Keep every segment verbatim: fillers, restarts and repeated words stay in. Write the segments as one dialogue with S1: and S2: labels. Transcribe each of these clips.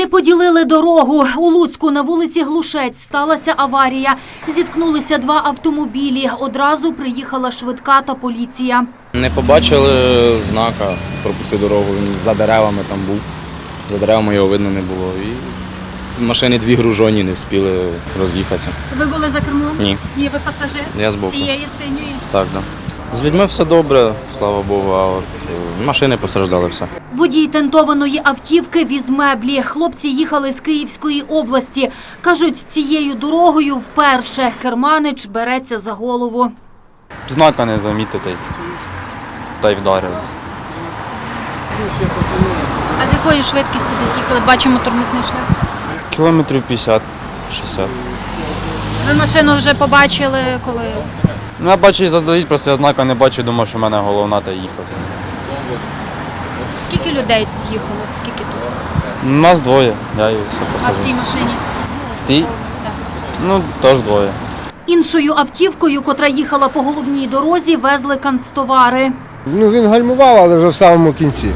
S1: Не поділили дорогу. У Луцьку на вулиці Глушець сталася аварія. Зіткнулися два автомобілі. Одразу приїхала швидка та поліція.
S2: Не побачили знака «Пропусти дорогу», він за деревами там був. За деревами його видно не було. І з машини дві гружоні не встигли роз'їхатися.
S1: Ви були за кермом?
S2: Ні.
S1: Ні, ви пасажир?
S2: Я збоку.
S1: Цієї синьої?
S2: Так, так. Да. З людьми все добре, слава Богу, а от машини постраждали все.
S1: Водій тентованої автівки віз меблі. Хлопці їхали з Київської області. Кажуть, цією дорогою вперше. Керманич береться за голову.
S3: Знака не замітити, та й вдарились.
S4: А з якої швидкістю десь їхали? Бачимо тормозний шлях.
S3: Кілометрів п'ятдесят-шістдесят.
S4: Ви машину вже побачили, коли?
S3: Ну, я бачу і заздалегідь, просто я знака не бачу, думав, що в мене головна та їхав.
S4: Скільки людей їхало? Скільки тут?
S3: Нас двоє, я і все
S4: А в
S3: посадив.
S4: цій машині?
S3: В тій? Ну, теж двоє.
S1: Іншою автівкою, котра їхала по головній дорозі, везли канцтовари.
S5: Ну, він гальмував, але вже в самому кінці.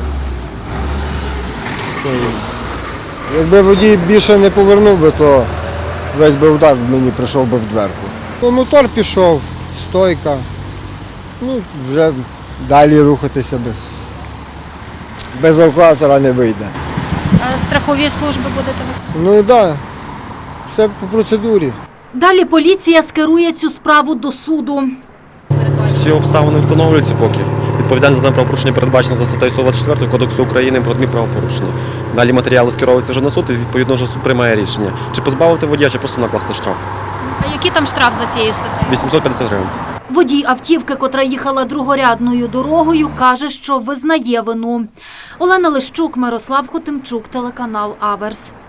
S5: Якби водій більше не повернув би, то весь би удар мені прийшов би в дверку. Ну, мотор пішов, стойка. Ну, вже далі рухатися без, без евакуатора не вийде.
S4: А страхові служби будете ви?
S5: Ну так, да, все по процедурі.
S1: Далі поліція скерує цю справу до суду.
S6: Всі обставини встановлюються поки. Відповідальність за дане правопорушення передбачена за статтею сто двадцять четвертою Кодексу України про адмінправопорушення. Далі матеріали скеровуються вже на суд і відповідно вже суд приймає рішення. Чи позбавити водія, чи просто накласти штраф.
S4: А який там штраф за цією статтею?
S6: вісімсот п'ятдесят гривень.
S1: Водій автівки, котра їхала другорядною дорогою, каже, що визнає вину. Олена Лищук, Мирослав Хотимчук, телеканал Аверс.